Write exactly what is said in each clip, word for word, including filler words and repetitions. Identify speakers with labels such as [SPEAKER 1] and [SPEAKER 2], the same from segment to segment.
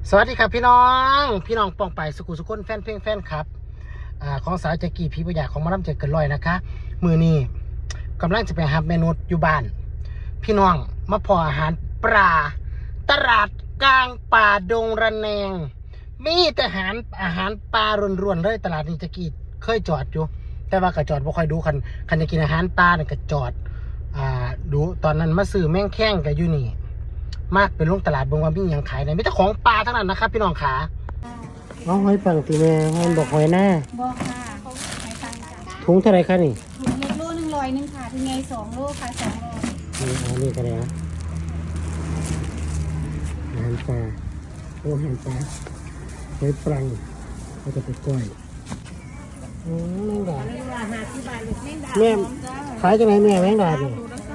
[SPEAKER 1] สวัสดีครับพี่น้องพี่น้องปองไปสกุลสุคนแฟนเพลงแฟนครับอ่าของสาวแจ็กกี้พี่ประหยัดของมาล่ำเจอเกินร้อยนะคะมือนี้กำลังจะไปหาเมนูอยู่บ้านพี่น้องมาพออาหารปลาตลาดกลางป่าดงระแนงมีแต่อาหารอาหารปลารวนๆเลยตลาดนี้แจ็กกี้เคยจอดอยู่แต่ว่าก็จอดบ่ค่อยดูคันคันจะกินอาหารปลาเนี่ยก็จอดอ่าดูตอนนั้นมาซื้อแม่งแข้งกับอยู่นี่มากเป็นลงตลาดบงว่ามีอย่างขายไหนมีแต่ของปลาทั้งนั้นนะครับพี่น้องขาเอาหอยปังตีแม่หอยบอกหอยหน้า
[SPEAKER 2] บอกค่ะเขาขายตังค์จ้ะ
[SPEAKER 1] ถุงเท่าไรคะนี่
[SPEAKER 2] ถุงเล็กโลหนึ่งร้อยหนึ่งค่ะถึงไงสองโลค่ะสองโล
[SPEAKER 1] นี่อันนี้ก็ได้นะอาหารปลาโอ้อาหารปลาหอยปังก็จะไปก้อยอืมแมงดาแม่ขายจังไหนแม่แมงดาดิ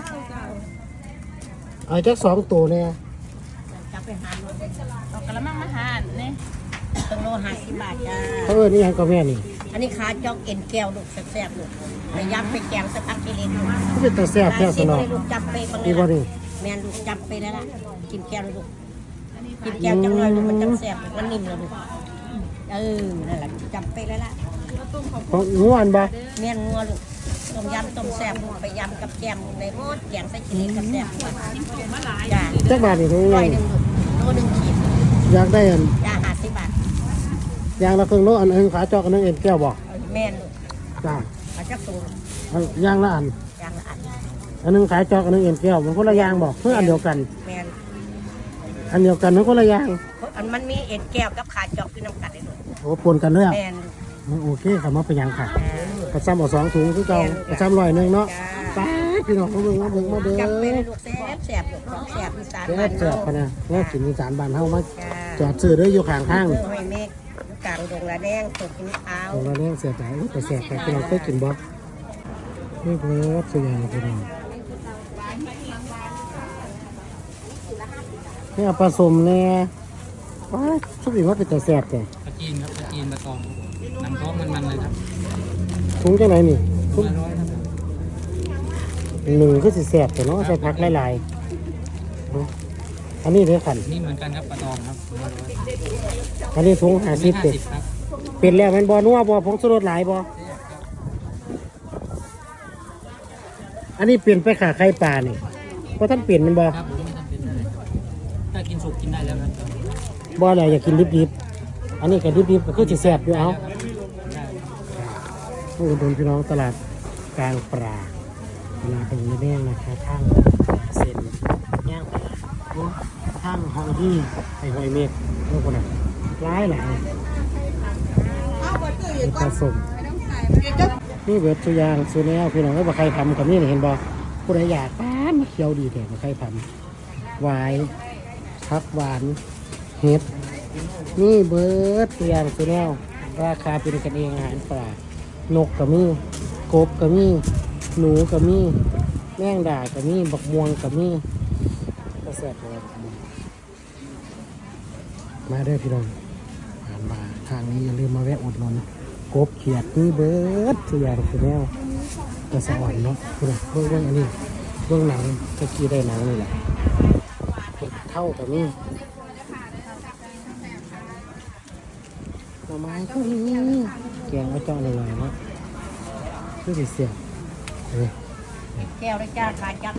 [SPEAKER 1] เอาจักสองตัวเนี่ย
[SPEAKER 2] จับไปหาเอากระมังมาหาเนี่ยตังโลห้าสิบบาทจ้า
[SPEAKER 1] เขาเออนี่ยังก็แม่นี่
[SPEAKER 2] อันนี้ขาจอกเอ็นแก้วลูกแซ่บๆลูกไปยับไปแกงสักพักกิเลนลูก
[SPEAKER 1] เขาเป็นตาแซ่บแท้สนอง
[SPEAKER 2] ลูกจับไปบาง
[SPEAKER 1] นี่บ่นี่
[SPEAKER 2] แมนลูกจับไปแล้วล่ะกินแก้วลูกกินแก้วจังเลยลูกมันจังแซ่บมันนิ่มเลยลูกเออนั่นแหละจับไปแล้วล่ะ
[SPEAKER 1] ของงัวอันบ่
[SPEAKER 2] แม่นงัวลูกต้มยำต้มแซ่บไปยำกับแกงในหม้อแกงใส่กิเลนกับแซ่บจ้า
[SPEAKER 1] จักบาทนี่ถุงนึง
[SPEAKER 2] โลหนึ่งขีด
[SPEAKER 1] อยากได้อัน
[SPEAKER 2] จ้าห้าสิบบาท
[SPEAKER 1] ยางละครึ่งโลอันนึงขาจอกอันนึงเอ็นแก้วบ่
[SPEAKER 2] แม่นลูก
[SPEAKER 1] จ้า
[SPEAKER 2] ขาจักสู
[SPEAKER 1] งยางละอัน
[SPEAKER 2] ยางละอัน
[SPEAKER 1] อันนึงขายจอกอันนึงเอ็นแก้วมันคนละยางบ่เพื่ออันเดียวกัน
[SPEAKER 2] แม่น
[SPEAKER 1] อันเดียวกันมันคนละยาง
[SPEAKER 2] อันมันมีเอ็นแก้วกับขาจอกคือน้ำกัดเลยลูก
[SPEAKER 1] โอ้ปนกันเลยอ่ะ
[SPEAKER 2] แม่น
[SPEAKER 1] โอเคครับมาไปยางค่ะกระซ้ำเอาสองถุงคือเก่ากระซ้ำร้อยนึงเนาะไปพี่น้องมาเบิ่งมาเบิ่งมาเด้อ
[SPEAKER 2] จับไปเลยลูกแซ่บแซ่บลูกของแซ่บอีสาน
[SPEAKER 1] แซ่บแซ่บพะนะแม่กินอีสานบ้านเฮามาจอดซื้อเด้ออยู่ข้างทาง
[SPEAKER 2] ห้อยเมฆกลางดงละแดงตกกินเอา
[SPEAKER 1] ดงละแดงเสียใจแต่แซ่บแต่พี่น้องเคยกินบ่นี่เพิ่นซื้ออย่างพี่น้องนี่เอาผสมแน่ว้าชุบอีกว่าเป็นแต่แซ่บแท้
[SPEAKER 3] ปลาจีนครับปลาจีนปลาตองน้ำท้องมันๆเลยครับ
[SPEAKER 1] ถุงจังไหนนี่
[SPEAKER 3] ถุงละร้อยครับ
[SPEAKER 1] หนึ่งก็สิแซ่บแต่เนาะใส่ผักหลายๆอันนี้เด้อขัน
[SPEAKER 3] นี่เหมือนกันครับปลาตองครับ
[SPEAKER 1] อันนี้ถุงห้าสิบเป็ดเป็นแล้วมันบ่นัวบ่ผงชูรสหลายบ่อันนี้เปลี่ยนไปขาไข่ปลานี่เพราะท่านเปลี่ยนมันบ่
[SPEAKER 3] ครับผมไม่จำเป็นเลยถ้ากินสุกกินได้แล้วครับ
[SPEAKER 1] บ่อะไรอยากกินดิบๆอันนี้ก็ดิบๆก็คือสิแซ่บอยู่เอาผู้อุดมพี่น้องตลาดกลางปลาตลาดตรงนี้แน่นะคะทางเส้นย่างปลาทางหอยที่ไอหอยเม็ดพวกนั้นร้ายหลายผสมนี่เบิดสุยางสุแนวพี่น้องก็บอกใครทำกับนี่เห็นบ่ผู้ใดอยากป้ามาเคี้ยวดีแต่บอกใครทำหวายพักหวานเห็ดนี่เบิดสุยางสุแนวราคาเป็นกันเองอาหารปลานกกับมีกบกับมีหนูกับมีแมงดากับมีบักม่วงกับมีก็แซ่บเลยมาเด้อพี่น้องผ่านมาทางนี้อย่าลืมมาแวะอุดหนุนกบเขียดนี่เบิดสุยางสุแนวกระสอ่อนเนาะเบื้องเบื้องอันนี้เบื้องหนังตะกี้ได้หนังนี่แหละเท่ากับนี่หน่อไม้ก็มีแกงเอาเจาะหน่อยๆเนาะคือสิเสียบเฮ้ย
[SPEAKER 2] แก้วได้จ้าขาจัก